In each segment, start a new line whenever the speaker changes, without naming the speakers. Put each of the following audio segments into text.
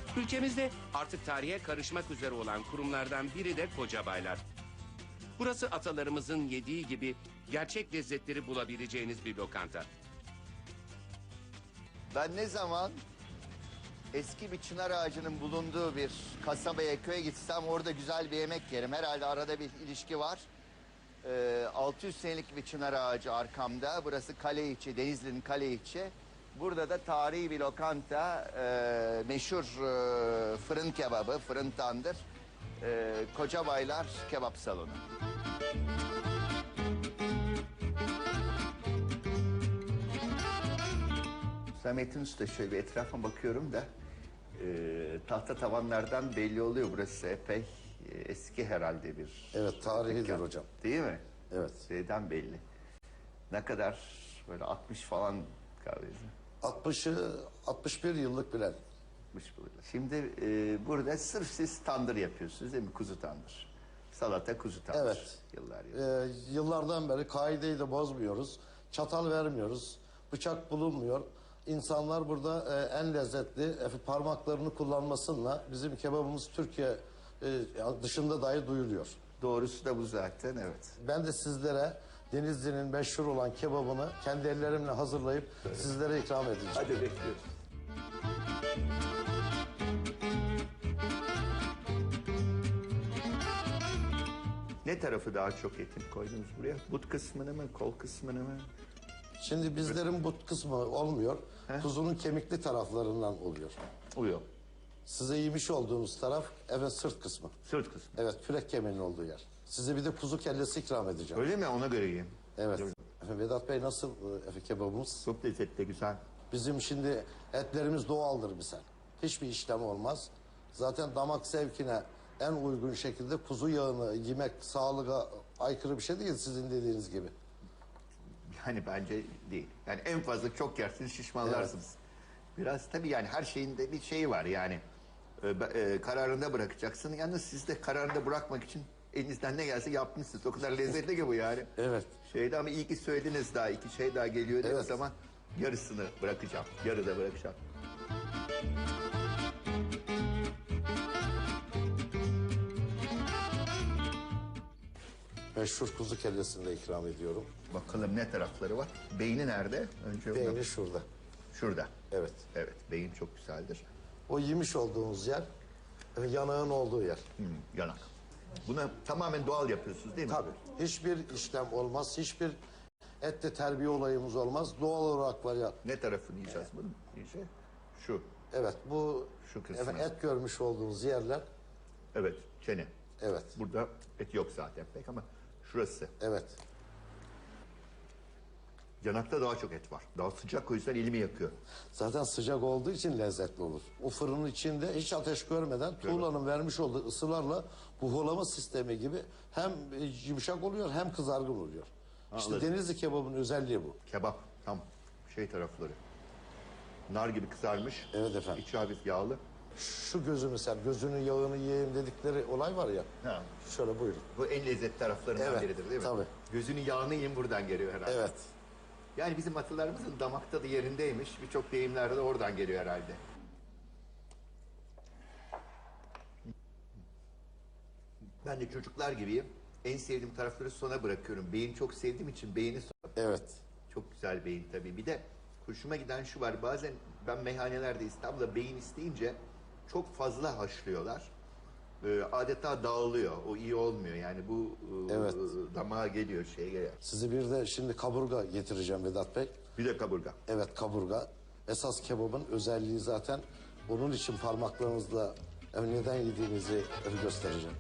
Ülkemizde artık tarihe karışmak üzere olan kurumlardan biri de Kocabaylar. Burası atalarımızın yediği gibi gerçek lezzetleri bulabileceğiniz bir lokanta.
Ben ne zaman eski bir çınar ağacının bulunduğu bir kasabaya, köye gitsem orada güzel bir yemek yerim. Herhalde arada bir ilişki var. 600 senelik bir çınar ağacı arkamda. Burası Kaleiçi, Denizli'nin Kaleiçi. Burada da tarihi bir lokanta, meşhur fırın kebabı, fırın tandır. Kocabaylar Kebap Salonu. Samet'in Usta, şöyle bir etrafa bakıyorum da tahta tavanlardan belli oluyor, burası epey eski herhalde bir...
Evet, tarihidir hocam.
Değil mi?
Evet.
Şeyden belli. Ne kadar böyle 60 falan kahvesi.
61 yıllık bilen.
60 burada. Şimdi burada sırf siz tandır yapıyorsunuz değil mi? Kuzu tandır. Salata kuzu tandır.
Evet.
Yıllar.
Yıllardan beri kaideyi de bozmuyoruz. Çatal vermiyoruz. Bıçak bulunmuyor. İnsanlar burada en lezzetli parmaklarını kullanmasıyla bizim kebabımız Türkiye dışında dahi duyuluyor.
Doğrusu da bu zaten, evet.
Ben de sizlere Denizli'nin meşhur olan kebabını kendi ellerimle hazırlayıp sizlere ikram edeceğim.
Hadi bekliyoruz. Ne tarafı daha çok etin koydunuz buraya? But kısmını mı, kol kısmını mı?
Şimdi bizlerin but kısmı olmuyor. Kuzunun kemikli taraflarından oluyor.
Uyuyor.
Size yemiş olduğunuz taraf sırt kısmı.
Sırt kısmı.
Evet, kürek kemiğinin olduğu yer. Size bir de kuzu kellesi ikram edeceğim.
Öyle mi? Ona göre yiyeyim.
Evet. Vedat Bey, nasıl kebabımız?
Çok lezzetli, güzel.
Bizim şimdi etlerimiz doğaldır misal. Hiçbir işlem olmaz. Zaten damak zevkine en uygun şekilde kuzu yağını yemek sağlığa aykırı bir şey değil, sizin dediğiniz gibi.
Yani bence değil. Yani en fazla çok yersiniz, şişmanlarsınız. Biraz tabii yani her şeyin de bir şeyi var yani. Kararında bırakacaksın. Yalnız siz de kararında bırakmak için elinizden ne gelse yapmışsınız. O kadar lezzetli ki bu yani.
Evet.
Ama iyi ki söylediniz, daha iki şey daha geliyor.
Evet.
O zaman yarısını bırakacağım. Yarıda bırakacağım.
Meşhur kuzu kellesini de ikram ediyorum.
Bakalım ne tarafları var. Beyni nerede? Önce
Beyni şurada.
Şurada.
Evet.
Evet, beyin çok güzeldir.
O yemiş olduğunuz yer, yanağın olduğu yer.
Yanak. Bunu tamamen doğal yapıyorsunuz değil mi?
Tabii. Hiçbir işlem olmaz, hiçbir ette terbiye olayımız olmaz. Doğal olarak var ya.
Ne tarafını yiyeceğiz bunun? İyice şu.
Evet, bu
Şu kısmı.
et görmüş olduğunuz yerler.
Evet, çene.
Evet.
Burada et yok zaten pek ama şurası.
Evet.
Yanakta daha çok et var. Daha sıcak, o yüzden elimi yakıyor.
Zaten sıcak olduğu için lezzetli olur. O fırının içinde hiç ateş görmeden tuğlanın vermiş olduğu ısılarla buğulama sistemi gibi hem yumuşak oluyor hem kızargın oluyor. İşte
Anladım.
Denizli kebabının özelliği bu.
Kebap tam tarafları. Nar gibi kızarmış.
Evet efendim.
İçi hafif yağlı.
Şu gözü mesela, gözünün yağını yiyeyim dedikleri olay var ya.
Ha.
Şöyle buyurun.
Bu en lezzetli taraflarından
Evet,
biridir değil mi?
tabii.
Gözünün yağını yiyin buradan geliyor herhalde.
Evet.
Yani bizim atalarımızın damakta da yerindeymiş. Birçok deyimler de oradan geliyor herhalde. Ben de çocuklar gibiyim. En sevdiğim tarafları sona bırakıyorum. Beyin çok sevdiğim için beyni sona.
Evet.
Çok güzel beyin tabii. Bir de hoşuma giden şu var. Bazen ben meyhanelerde İstanbul'da beyin isteyince çok fazla haşlıyorlar. Adeta dağılıyor. O iyi olmuyor. Yani bu
Evet.
damağa geliyor, şeye geliyor.
Sizi bir de şimdi kaburga getireceğim Vedat Bey.
Bir de kaburga.
Evet, kaburga. Esas kebabın özelliği zaten onun için parmaklarınızla neden yediğinizi göstereceğim.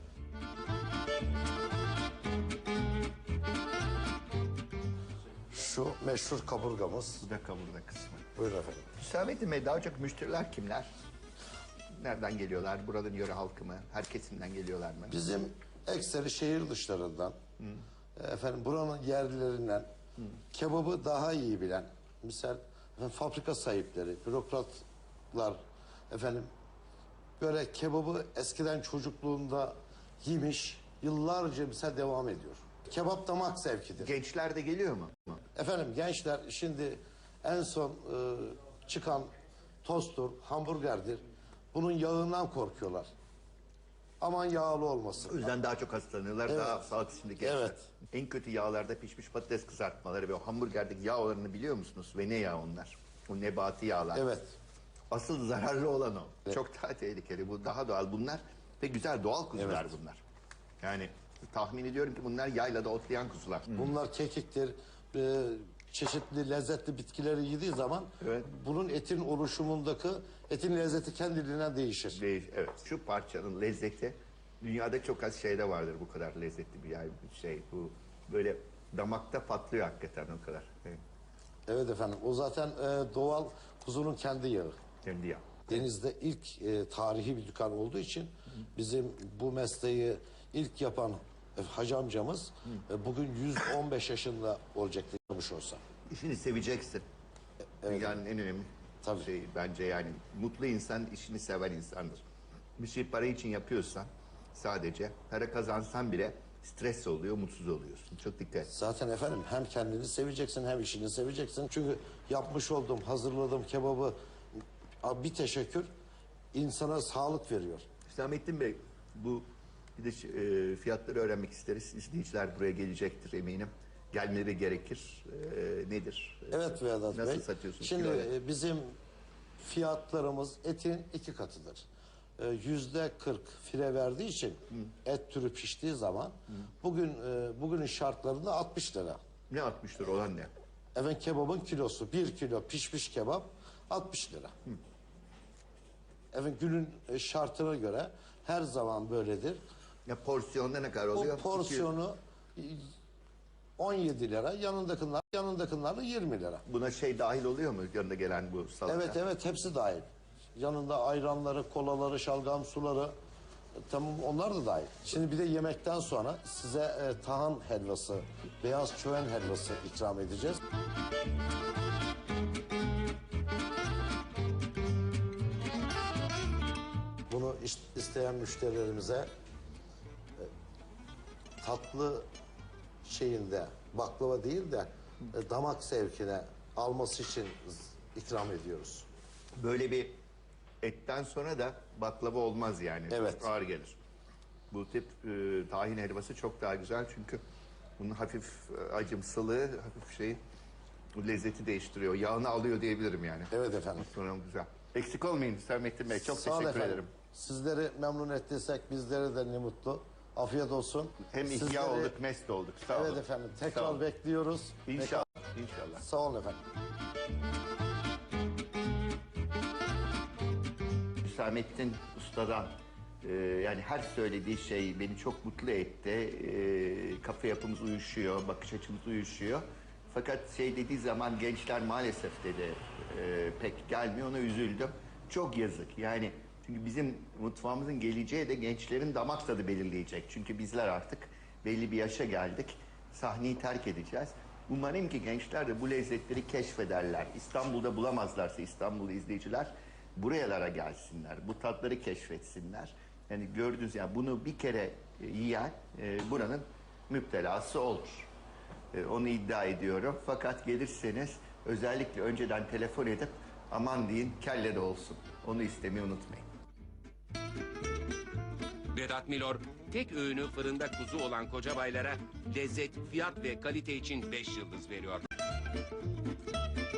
Şu meşhur kaburgamız.
Bu da kaburga kısmı.
Buyurun efendim.
Hüsamettin Bey, daha çok müşteriler kimler? Nereden geliyorlar? Buranın yöre halkı mı? Her kesimden geliyorlar mı?
Bizim ekseri şehir dışlarından, buranın yerlilerinden, kebabı daha iyi bilen, misal fabrika sahipleri, bürokratlar, böyle kebabı eskiden çocukluğunda yemiş, yıllarca misal devam ediyor. Kebap damak zevkidir.
Gençler de geliyor mu?
Gençler şimdi en son çıkan tosttur, hamburgerdir. Bunun yağından korkuyorlar. Aman yağlı
O
olmasın.
yüzden daha çok hastalanıyorlar,
Evet.
daha sağlık içinde geçer.
Evet.
En kötü yağlarda pişmiş patates kızartmaları ve o hamburgerdeki yağ oranını biliyor musunuz? Ve ne yağ onlar? O nebati yağlar.
Evet.
Asıl zararlı olan o. Çok daha tehlikeli. Bu daha doğal bunlar ve güzel doğal kuzular
Evet.
bunlar. Yani tahmin ediyorum ki bunlar yaylada otlayan kuzular.
Bunlar kekiktir. Çeşitli lezzetli bitkileri yediği zaman
Evet.
bunun etin oluşumundaki etin lezzeti kendiliğinden değişir.
Evet. Şu parçanın lezzeti dünyada çok az şeyde vardır bu kadar lezzetli bir şey. Bu böyle damakta patlıyor hakikaten o kadar. Evet.
Evet efendim. O zaten doğal kuzunun kendi yağı.
Kendi yağ.
Denizde ilk tarihi bir dükkan olduğu için bizim bu mesleği ilk yapan hacı amcamız bugün 115 yaşında olacaktı yapmış olsa.
İşini seveceksin. Dünyanın en önemli
Tabii.
şeyi bence yani. Mutlu insan işini seven insandır. Bir şey para için yapıyorsan sadece para kazansan bile stres oluyor, mutsuz oluyorsun. Çok dikkat et.
Zaten efendim hem kendini seveceksin hem işini seveceksin. Çünkü yapmış olduğum, hazırladığım kebabı bir teşekkür insana sağlık veriyor.
Hüsamettin Bey, bu bir de fiyatları öğrenmek isteriz. İzleyiciler buraya gelecektir eminim. Gelmeleri gerekir. Nedir?
Evet Vedat Bey.
Nasıl satıyorsunuz?
Şimdi
kiloyla?
bizim fiyatlarımız etin 2 katıdır. %40 fire verdiği için et türü piştiği zaman bugünün şartlarında 60 lira.
Ne 60 lira olan ne?
Efendim kebabın kilosu 1 kilo pişmiş kebap 60 lira. Efendim günün şartına göre her zaman böyledir.
Ya porsiyonda ne kadar
O
oluyor?
porsiyonu 17 lira, yanındakiler 20 lira.
Buna şey dahil oluyor mu yanında gelen bu salata?
Evet hepsi dahil. Yanında ayranları, kolaları, şalgam suları tamam onlar da dahil. Şimdi bir de yemekten sonra size tahan helvası, beyaz çöven helvası ikram edeceğiz. Bunu isteyen müşterilerimize tatlı şeyinde baklava değil de damak zevkine alması için ikram ediyoruz.
Böyle bir etten sonra da baklava olmaz yani.
Evet.
Ağır gelir. Bu tip tahin helvası çok daha güzel çünkü bunun hafif acımsılığı, hafif şeyi bu lezzeti değiştiriyor. Yağını alıyor diyebilirim yani.
Evet efendim.
Sonra güzel. Eksik olmayın Hüsamettin Bey. Çok
Sağ olun
teşekkür
efendim.
ederim.
Sizleri memnun ettiysek bizlere de ne mutlu. Afiyet olsun.
Hem ihya
Sizleri-
olduk, mest olduk. Sağ olun.
Evet efendim.
Sağ
Tekrar
olun.
bekliyoruz.
İnşallah. İnşallah.
Sağ olun efendim.
Hüsamettin Usta'dan yani her söylediği şey beni çok mutlu etti. Kafa yapımız uyuşuyor, bakış açımız uyuşuyor. Fakat şey dediği zaman gençler maalesef dedi pek gelmiyor, ona üzüldüm. Çok yazık yani çünkü bizim mutfağımızın geleceği de gençlerin damak tadı belirleyecek. Çünkü bizler artık belli bir yaşa geldik, sahneyi terk edeceğiz. Umarım ki gençler de bu lezzetleri keşfederler. İstanbul'da bulamazlarsa İstanbul'da izleyiciler buralara gelsinler, bu tatları keşfetsinler. Yani gördünüz ya bunu bir kere yiyen buranın müptelası olur. Onu iddia ediyorum. Fakat gelirseniz özellikle önceden telefon edip aman deyin kelle de olsun. Onu istemeyi unutmayın.
Vedat Milor tek öğünü fırında kuzu olan kocabaylara lezzet, fiyat ve kalite için 5 yıldız veriyor.